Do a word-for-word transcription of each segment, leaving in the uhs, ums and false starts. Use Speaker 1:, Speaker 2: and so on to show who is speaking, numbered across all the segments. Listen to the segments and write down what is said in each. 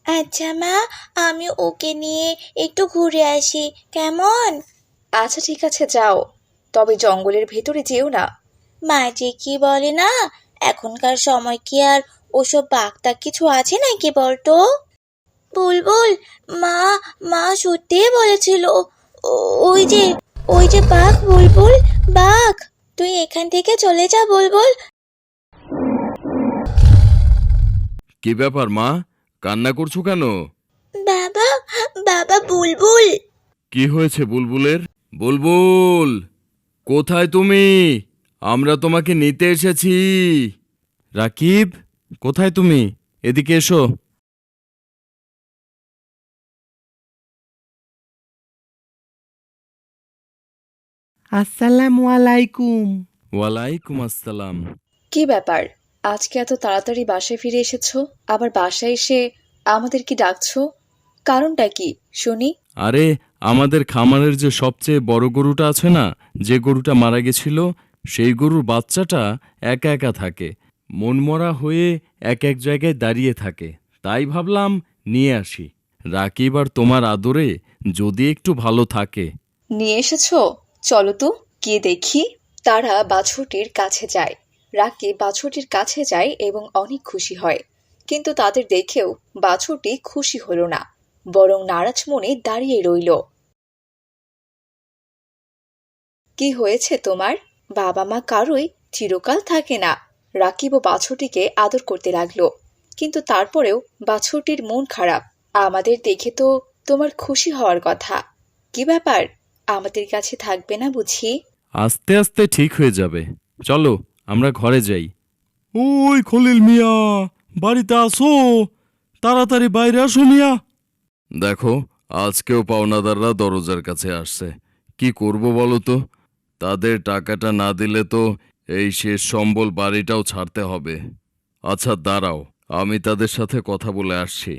Speaker 1: আচ্ছা মা, আমি ওকে নিয়ে একটু ঘুরে আসি, কেমন?
Speaker 2: আচ্ছা ঠিক আছে, যাও, তবে জঙ্গলের ভেতরে যেও না।
Speaker 1: মা যে কি বলে না, এখনকার সময় কি আর ওসব বাগদা কিছু আছে নাকি বলতো? বুলবুল, মা মা সত্যিই বলেছিল, ও- ওই যে ওই যে বাঘ, বুলবুল, বাঘ। তুই এখান থেকে চলে যা বুলবুল।
Speaker 3: কি ব্যাপার মা, কান্না করছো কেন?
Speaker 1: বাবা, বাবা, বুলবুল।
Speaker 3: কি হয়েছে বুলবুলের? বুলবুল, কোথায় তুমি? আমরা তোমাকে নিতে এসেছি। রাকিব, কোথায় তুমি? এদিকে এসো।
Speaker 4: আসসালামু আলাইকুম।
Speaker 3: ওয়ালাইকুম আসসালাম।
Speaker 2: কি ব্যাপার, আজকে এত তাড়াতাড়ি বাসায় ফিরে এসেছো? আবার বাসায় এসে আমাদের কি ডাকছো? কারণটা কি শুনি।
Speaker 3: আরে, আমাদের খামারের যে সবচেয়ে বড় গরুটা আছে না, যে গরুটা মারা গেছিল, সেই গরুর বাচ্চাটা একা একা থাকে, মনমরা হয়ে এক এক জায়গায় দাঁড়িয়ে থাকে। তাই ভাবলাম নিয়ে আসি। রাকিব আর তোমার আদরে যদি একটু ভালো থাকে।
Speaker 2: নিয়ে এসেছো? চলো তো গিয়ে দেখি। তারা বাছুরটির কাছে যায়। রাকিব বাছুরটির কাছে যায় এবং অনেক খুশি হয়। কিন্তু তাদের দেখেও বাছুরটি খুশি হলো না, বরং নারাজ মনে দাঁড়িয়ে রইল। কি হয়েছে তোমার? বাবা মা কারোই চিরকাল থাকে না। রাকিব ও বাছুরটিকে আদর করতে লাগলো, কিন্তু তারপরেও বাছুরটির মন খারাপ। আমাদের দেখে তো তোমার খুশি হওয়ার কথা। কি ব্যাপার, আমাদের কাছে থাকবে না বুঝি?
Speaker 3: আস্তে আস্তে ঠিক হয়ে যাবে। চলো, আমরা ঘরে যাই। ওই খলিল মিয়া, বাড়িতে আসো, তাড়াতাড়ি বাইরে আসো মিয়া। দেখো, আজকেও পাওনাদাররা দরজার কাছে আসছে। কি করব বলো তো? তাদের টাকাটা না দিলে তো এই শেষ সম্বল বাড়িটাও ছাড়তে হবে। আচ্ছা দাঁড়াও, আমি তাদের সাথে কথা বলে আসছি।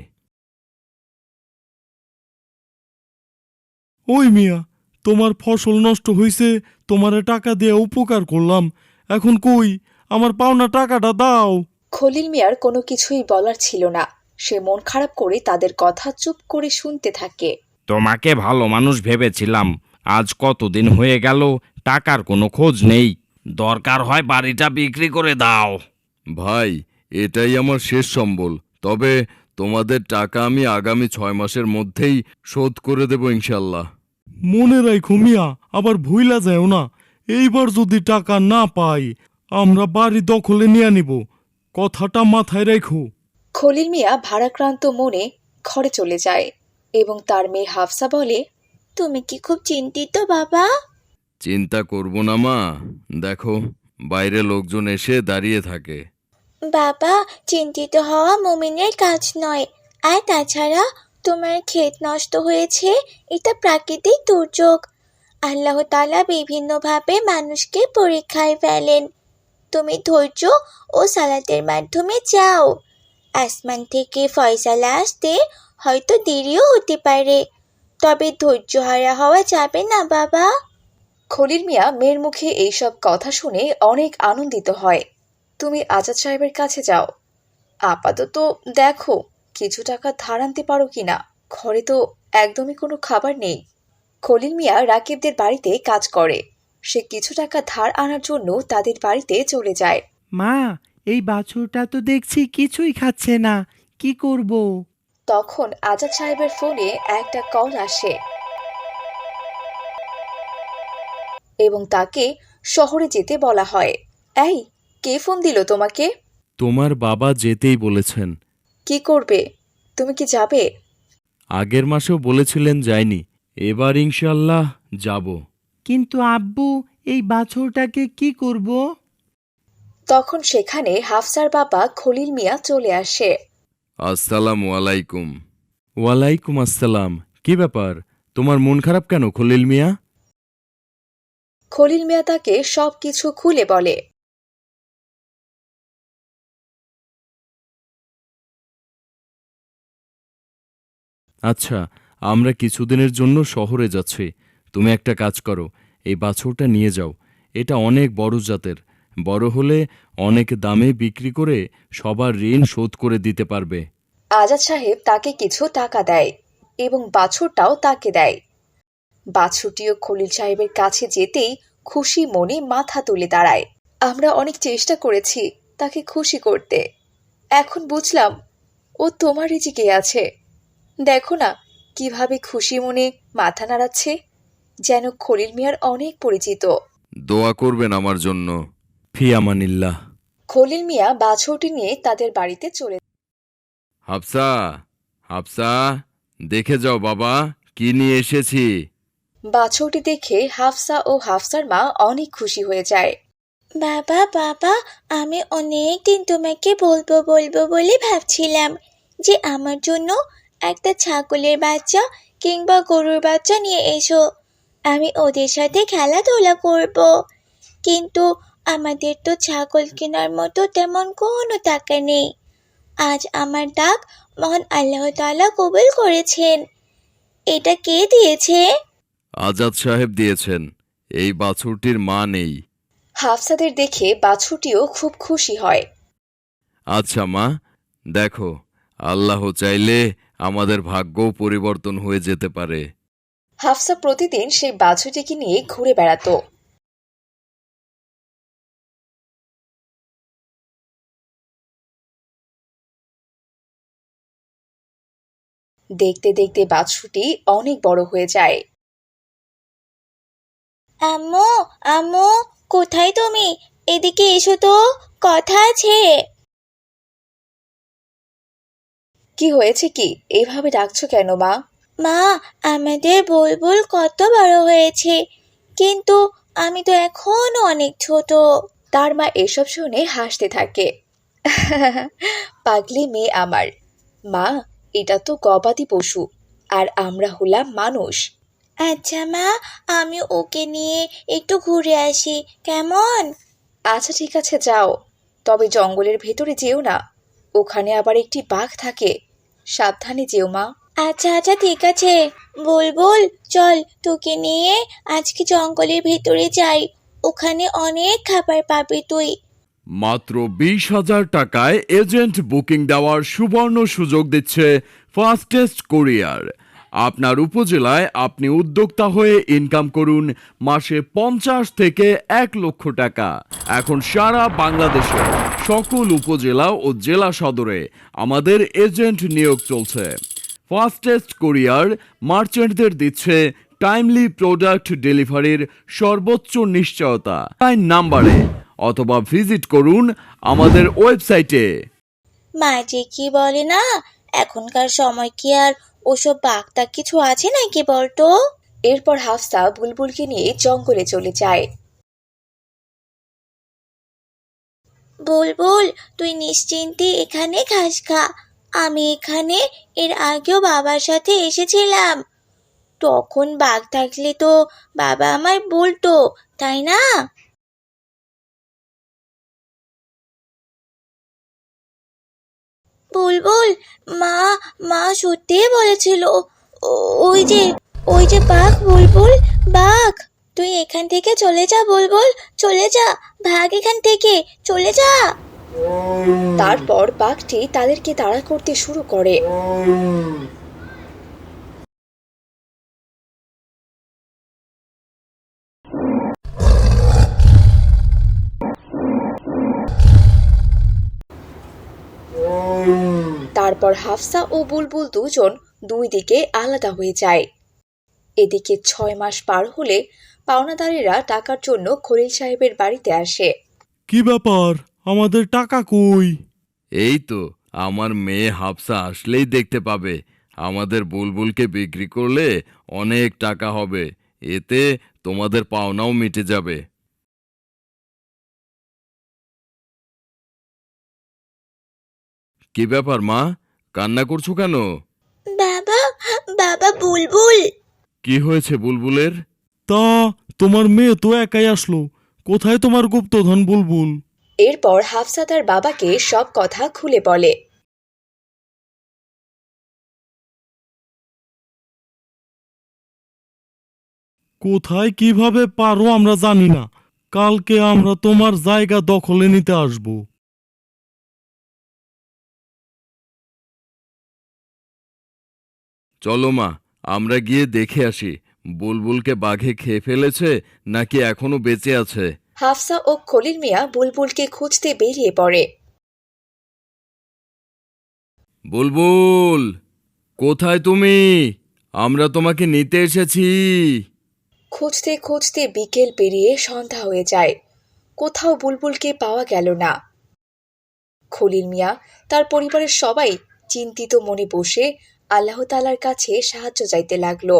Speaker 5: ওই মিয়া, তোমার ফসল নষ্ট হইছে, তোমারে টাকা দিয়ে উপকার করলাম, এখন কই আমার পাওনা টাকাটা দাও।
Speaker 2: খলিল মিয়ার কোনো কিছুই বলার ছিল না। সে মন খারাপ করে তাদের কথা চুপ করে শুনতে থাকে।
Speaker 6: তোমাকে ভালো মানুষ ভেবেছিলাম, আজ কতদিন হয়ে গেল টাকার কোনো খোঁজ নেই। দরকার হয় বাড়িটা বিক্রি করে দাও।
Speaker 3: ভাই, এটাই আমার শেষ সম্বল। তবে তোমাদের টাকা আমি আগামী ছয় মাসের মধ্যেই শোধ করে দেব ইনশাল্লাহ।
Speaker 5: মনে রাখো মিয়া, আবার ভুইলা যাও না। এইবার যদি টাকা না পাই, আমরা বাড়ি দখলে নিয়ে নিব, কথাটা মাথায় রাখো।
Speaker 2: খলিল মিয়া ভারাক্রান্ত মনে ঘরে চলে যায় এবং তার মেয়ে হাফসা বলে,
Speaker 1: তুমি কি খুব চিন্তিত বাবা?
Speaker 3: চিন্তা করব না মা, দেখো বাইরে লোকজন এসে দাঁড়িয়ে থাকে।
Speaker 1: বাবা, চিন্তিত হওয়া মুমিনের কাজ নয়। আর তাছাড়া তোমার ক্ষেত নষ্ট হয়েছে, এটা প্রাকৃতিক দুর্যোগ। আল্লাহ তাআলা বিভিন্নভাবে মানুষকে পরীক্ষায় ফেলেন। তুমি ধৈর্য ও সালাতের মাধ্যমে যাও। আসমান থেকে ফয়সালা আসতে হয়তো দেরিও হতে পারে, তবে ধৈর্যহারা হওয়া যাবে না বাবা।
Speaker 2: খলিল মিয়া মেয়ের মুখে এইসব কথা শুনে অনেক আনন্দিত হয়। তুমি আজাদ সাহেবের কাছে যাও, আপাতত দেখো কিছু টাকা ধার আনতে পারো কিনা। ঘরে তো একদমই কোনো খাবার নেই। খলিল মিয়া রাকিবদের বাড়িতে কাজ করে। সে কিছু টাকা ধার আনার জন্য তাদের বাড়িতে চলে যায়।
Speaker 4: মা, এই বাছুরটা তো দেখছি কিছুই খাচ্ছে না, কি করব?
Speaker 2: তখন আজাদ সাহেবের ফোনে একটা কল আসে এবং তাকে শহরে যেতে বলা হয়। এই, কে ফোন দিল তোমাকে?
Speaker 3: তোমার বাবা যেতেই বলেছেন।
Speaker 2: কি করবে? তুমি কি যাবে?
Speaker 3: আগের মাসেও বলেছিলেন যায়নি, এবার ইনশাল্লাহ যাব।
Speaker 4: কিন্তু আব্বু, এই বাছুরটাকে কি করব?
Speaker 2: তখন সেখানে হাফসার বাবা খলিল মিয়া চলে আসে।
Speaker 3: আসসালামু আলাইকুম। ওয়ালাইকুম আসসালাম। কি ব্যাপার, তোমার মন খারাপ কেন খলিল মিয়া?
Speaker 2: খলিল মিয়া তাকে সবকিছু খুলে বলে।
Speaker 3: আচ্ছা, আমরা কিছুদিনের জন্য শহরে যাচ্ছি। তুমি একটা কাজ করো, এই বাছুরটা নিয়ে যাও। এটা অনেক বড় জাতের, বড় হলে অনেক দামে বিক্রি করে সবার ঋণ শোধ করে দিতে পারবে।
Speaker 2: আজাদ সাহেব তাকে কিছু টাকা দেয় এবং বাছুরটাও তাকে দেয়। বাছুরটিও খলিল সাহেবের কাছে যেতেই খুশি মনে মাথা তুলে দাঁড়ায়। আমরা অনেক চেষ্টা করেছি তাকে খুশি করতে, এখন বুঝলাম ও তোমার রিজিকে আছে। দেখো না কিভাবে খুশি মনে মাথা নাড়াচ্ছে, যেন খলিল মিয়ার অনেক পরিচিত।
Speaker 3: দোয়া করবেন আমার জন্য।
Speaker 5: ফি আমানিল্লাহ।
Speaker 2: খলিল মিয়া বাছুরটি নিয়ে তাদের বাড়িতে চলে।
Speaker 3: হাফসা, হাফসা, দেখে যাও বাবা, কি নিয়ে এসেছি।
Speaker 2: বাছুরটি দেখে হাফসা ও হাফসার মা অনেক খুশি হয়ে যায়।
Speaker 1: বাবা বাবা, আমি অনেক দিন তোমাকে বলবো বলবো বলে ভাবছিলাম যে আমার জন্য একটা ছাগলের বাচ্চা কিংবা গরুর বাচ্চা নিয়ে এসো, আমি ওদের সাথে খেলাধুলা করব। কিন্তু আমাদের তো ছাগল কেনার মতো তেমন কোনো টাকা নেই। আজ আমার ডাক মহান আল্লাহ তাআলা কবুল করেছেন। এটা কে দিয়েছে?
Speaker 3: আজাদ সাহেব দিয়েছেন। এই বাছুরটির মা নেই।
Speaker 2: হাফসাদের দেখে বাছুরটিও খুব খুশি হয়।
Speaker 3: আচ্ছা মা, দেখো, আল্লাহ চাইলে আমাদের ভাগ্যও পরিবর্তন হয়ে যেতে পারে।
Speaker 2: হাফসা প্রতিদিন সেই বাছুরটিকে নিয়ে ঘুরে বেড়াতো। দেখতে দেখতে বাছুরটি অনেক বড় হয়ে যায়।
Speaker 1: আম্মু, আম্মু, কোথায় তুমি? এদিকে এসো তো, কথা আছে।
Speaker 2: কি হয়েছে কি, এইভাবে ডাকছো কেন মা?
Speaker 1: মা, আমাদের বুলবুল কত বড় হয়েছে, কিন্তু আমি তো এখনো অনেক ছোট।
Speaker 2: তার মা এসব শুনে হাসতে থাকে। পাগলি মেয়ে আমার। মা, এটা তো গবাদি পশু, আর আমরা হলাম মানুষ।
Speaker 1: আচ্ছা মা, আমি ওকে নিয়ে একটু ঘুরে আসি, কেমন?
Speaker 2: আচ্ছা ঠিক আছে, যাও, তবে জঙ্গলের ভেতরে যেও না, ওখানে আবার একটি বাঘ থাকে, সাবধানে যেও মা।
Speaker 1: আচ্ছা আচ্ছা ঠিক আছে। বুলবুল, চল তোকে নিয়ে আজকে জঙ্গলের ভেতরে যাই, ওখানে অনেক খাবার পাবি তুই।
Speaker 3: মাত্র বিশ হাজার টাকায় এজেন্ট বুকিং দেওয়ার সুবর্ণ সুযোগ দিচ্ছে ফাস্টেস্ট কুরিয়ার। আপনার উপজেলায় আপনি উদ্যোক্তা হয়ে ইনকাম করুন মাসে পঞ্চাশ থেকে এক লক্ষ টাকা। এখন সারা বাংলাদেশে সকল উপজেলা ও জেলা সদরে আমাদের এজেন্ট নিয়োগ চলছে। ফাস্টেস্ট কুরিয়ার মার্চেন্টদের দিচ্ছে টাইমলি প্রোডাক্ট ডেলিভারির সর্বোচ্চ নিশ্চয়তা। নাম্বারে অথবা ভিজিট করুন আমাদের ওয়েবসাইটে।
Speaker 1: মা যে কি বলে না, এখনকার সময় কি আর ওসব বাগদা কিছু আছে নাকি বলতো?
Speaker 2: এরপর হাফসা বুলবুলকে নিয়ে জঙ্গলে চলে যায়।
Speaker 1: বুলবুল, তুই নিশ্চিন্তে এখানে ঘাস খা। আমি এখানে এর আগেও বাবার সাথে এসেছিলাম, তখন বাঘ থাকলে তো বাবা আমায় বলতো, তাই না? বুলবুল, মা মা সত্যিই বলেছিল, ও- ওই যে ওই যে বাঘ, বুলবুল, বাঘ। তুই এখান থেকে চলে যা বুলবুল, চলে যা, ভাগ এখান থেকে, চলে যা।
Speaker 2: তারপর বাঘটি তাদেরকে তাড়া করতে শুরু করে। তারপর হাফসা ও বুলবুল দুজন দুই দিকে আলাদা হয়ে যায়। এদিকে ছয় মাস পার হলে পাওনাদারেরা টাকার জন্য খলিল সাহেবের বাড়িতে আসে।
Speaker 5: কি ব্যাপার, আমাদের টাকা কই?
Speaker 3: এই তো, আমার মেয়ে হাফসা আসলেই দেখতে পাবে। আমাদের বুলবুলকে বিক্রি করলে অনেক টাকা হবে, এতে তোমাদের পাওনাও মিটে যাবে। কি ব্যাপার মা, কান্না করছো কেন?
Speaker 1: বাবা, বাবা, বুলবুল।
Speaker 3: কি হয়েছে বুলবুলের?
Speaker 5: তা তোমার মেয়ে তো একাই আসলো, কোথায় তোমার গুপ্তধন বুলবুল?
Speaker 2: এরপর হাফসা তার বাবাকে সব কথা খুলে বলে।
Speaker 5: কোথায় কিভাবে পারো আমরা জানি না, কালকে আমরা তোমার জায়গা দখলে নিতে আসবো।
Speaker 3: চলো মা, আমরা গিয়ে দেখে আসি বুলবুলকে বাঘে খেয়ে ফেলেছে নাকি এখনো বেঁচে আছে।
Speaker 2: হাফসা ও খলিল মিয়া বুলবুলকে খুঁজতে বেরিয়ে পড়ে।
Speaker 3: বুলবুল, কোথায় তুমি? আমরা তোমাকে নিতে এসেছি।
Speaker 2: খুঁজতে খুঁজতে বিকেল পেরিয়ে সন্ধ্যা হয়ে যায়, কোথাও বুলবুলকে পাওয়া গেল না। খলিল মিয়া তার পরিবারের সবাই চিন্তিত মনে বসে আল্লাহ তাআলার কাছে সাহায্য চাইতে লাগলো।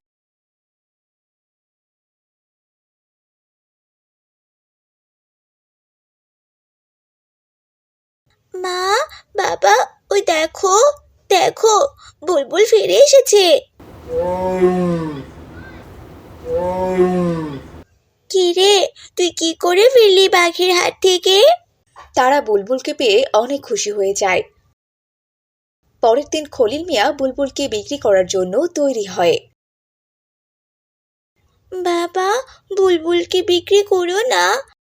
Speaker 1: মা, বাবা, ওই দেখো, দেখো, বুলবুল ফিরে এসেছে। কি রে, তুই কি করে ফিরলি বাঘের হাত থেকে?
Speaker 2: তারা বুলবুলকে পেয়ে অনেক খুশি হয়ে যায়। পরের দিন খলিল মিয়া বুলবুলকে বিক্রি করার জন্য তৈরি হয়।
Speaker 1: বাবা, বুলবুলকে বিক্রি করো না।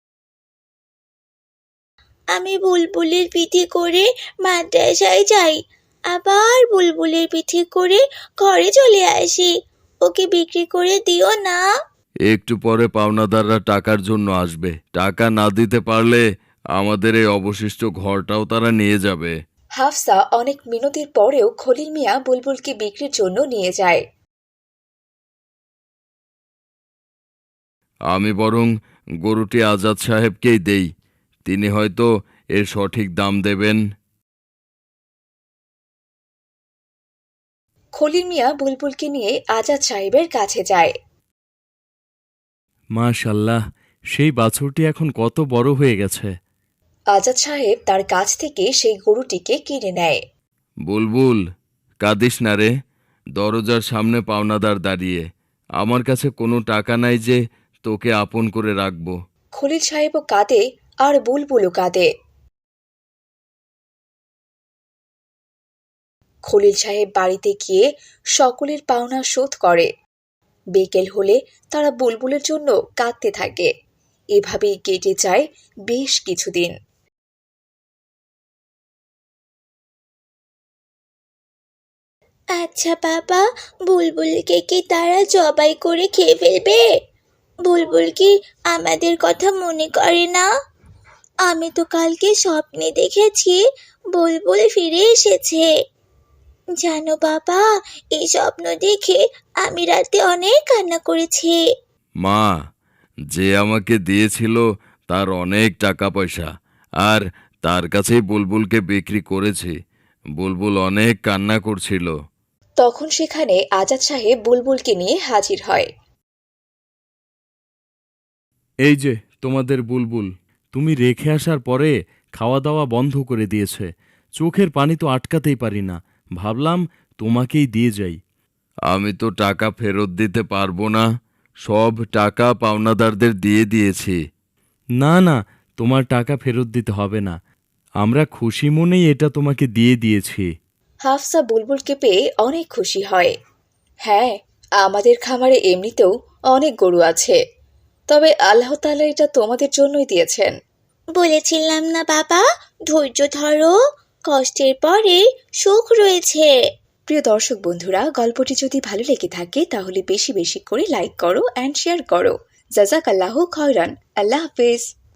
Speaker 1: আমি বুলবুলের পিঠে করে মাদ্রাসায় যাই, আবার বুলবুলের পিঠে করে ঘরে চলে আসি। ওকে বিক্রি করে দিও না।
Speaker 3: একটু পরে পাওনাদাররা টাকার জন্য আসবে। টাকা না দিতে পারলে আমাদের এই অবশিষ্ট ঘরটাও তারা নিয়ে যাবে।
Speaker 2: হাফসা অনেক মিনতির পরেও খলিল মিয়া বুলবুলকে বিক্রির জন্য নিয়ে যায়।
Speaker 3: আমি বরং গরুটি আজাদ সাহেবকেই দেই, তিনি হয়তো এর সঠিক দাম দেবেন।
Speaker 2: খলিল মিয়া বুলবুলকে নিয়ে আজাদ সাহেবের কাছে যায়।
Speaker 3: মাশাল্লাহ, সেই বাছুরটি এখন কত বড় হয়ে গেছে।
Speaker 2: আজাদ সাহেব তার কাছ থেকে সেই গরুটিকে কিনে নেয়।
Speaker 3: বুলবুল, কাঁদিস না রে, দরজার সামনে পাওনাদার দাঁড়িয়ে। আমার কাছে কোনো টাকা নাই যে তোকে আপন করে রাখব।
Speaker 2: খলিল সাহেবও কাঁদে আর বুলবুলও কাঁদে। খলিল সাহেব বাড়িতে গিয়ে সকলের পাওনা শোধ করে। বিকেল হলে তারা বুলবুলের জন্য কাঁদতে থাকে। এভাবেই কেটে যায় বেশ কিছুদিন।
Speaker 1: আচ্ছা বাবা, বুলবুলকে কি তারা জবাই করে খেয়ে ফেলবে? বুলবুল কি আমাদের কথা মনে করে না? আমি তো কালকে স্বপ্নে দেখেছি বুলবুল ফিরে এসেছে। জানো বাবা, এই স্বপ্ন দেখে আমি রাতে অনেক কান্না করেছি।
Speaker 3: মা, যে আমাকে দিয়েছিল তার অনেক টাকা পয়সা, আর তার কাছেই বুলবুলকে বিক্রি করেছি। বুলবুল অনেক কান্না করছিল।
Speaker 2: তখন সেখানে আজাদ সাহেব বুলবুলকে নিয়ে হাজির হয়।
Speaker 3: এই যে তোমাদের বুলবুল, তুমি রেখে আসার পরে খাওয়া দাওয়া বন্ধ করে দিয়েছে। চোখের পানি তো আটকাতেই পারি না, ভাবলাম তোমাকেই দিয়ে যাই। আমি তো টাকা ফেরত দিতে পারবো না, সব টাকা পাওনাদারদের দিয়ে দিয়েছি। না না, তোমার টাকা ফেরত দিতে হবে না, আমরা খুশি মনেই এটা তোমাকে দিয়ে দিয়েছি।
Speaker 2: হাফসা বুলবুলকে পেয়ে অনেক খুশি হয়। হ্যাঁ, আমাদের খামারে এমনিতেও অনেক গরু আছে, তবে আল্লাহ তাআলা এটা তোমাদের জন্যই দিয়েছেন।
Speaker 1: বলেছিলাম না বাবা, ধৈর্য ধরো, কষ্টের পরে সুখ রয়েছে।
Speaker 2: প্রিয় দর্শক বন্ধুরা, গল্পটি যদি ভালো লেগে থাকে তাহলে বেশি বেশি করে লাইক করো অ্যান্ড শেয়ার করো। জাযাকাল্লাহু খায়রান। আল্লাহ হাফেজ।